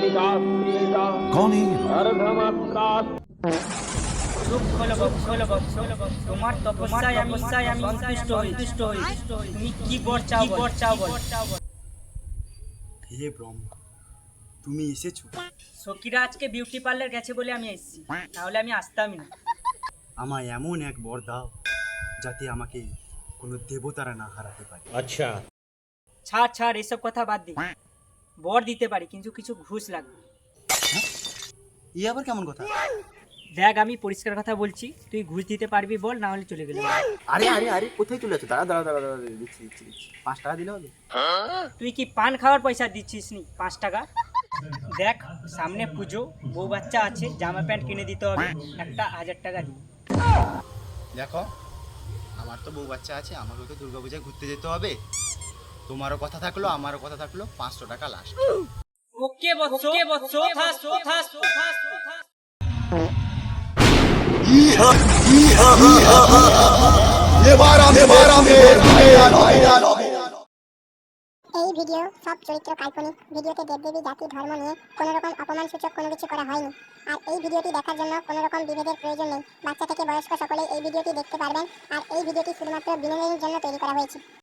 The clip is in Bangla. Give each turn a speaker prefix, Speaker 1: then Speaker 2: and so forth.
Speaker 1: कौन है ये?
Speaker 2: তোমার তপস্যায় আমি সন্তুষ্ট হই। তুমি কি বর চাও বল।
Speaker 3: হে ব্রহ্মা, তুমি এসেছো।
Speaker 2: সখীরা আজকে বিউটি পার্লার গেছে বলে আমি এসেছি, তাহলে আমি আসতামই না।
Speaker 3: আমায় এমন এক বর দাও যাতে আমাকে কোনো দেবতারা না হারাতে পারে।
Speaker 2: ছাড় এসব কথা বাদ দি। বর দিতে পারি, কিন্তু কিছু ঘুষ লাগবে।
Speaker 3: এ আবার কেমন কথা?
Speaker 2: দেখ, আমি পরিষ্কার কথা বলছি, তুই ঘুষ দিতে পারবি বল, না হলে চলে গেলে বল।
Speaker 3: আরে আরে আরে কোথায় চলে যাচ্ছ? দাঁড়া দাঁড়া দাঁড়া দাঁড়া, দিচ্ছি 5 টাকা দিলে হবে?
Speaker 2: তুই কি পান খাওয়ার পয়সা দিচ্ছিস নি 5 টাকা? দেখ, সামনে পুজো, বউ বাচ্চা আছে, জামা প্যান্ট কিনে দিতে হবে, একটা 1000 টাকা দিই।
Speaker 3: দেখো, আমার তো বউ বাচ্চা আছে, আমাকেও তো দুর্গাপূজায় ঘুরতে যেতে হবে। তোমারও কথা থাকলো, আমারও কথা থাকলো, 500 টাকা লাস্ট।
Speaker 2: ওকে বৎস, থাস।
Speaker 4: এই ভিডিও সব চরিত্র কাল্পনিক। ভিডিওতে দেবদেবী, জাতি, ধর্ম নিয়ে কোনো রকম অপমানসূচক কোনো কিছু করা হয়নি। আর এই ভিডিওটি দেখার জন্য কোনো রকম বিভেদের প্রয়োজন নেই। বাচ্চা থেকে বয়স্ক সকলেই এই ভিডিওটি দেখতে পারবেন। আর এই ভিডিওটি শুধুমাত্র বিনোদনের জন্য তৈরি করা হয়েছে।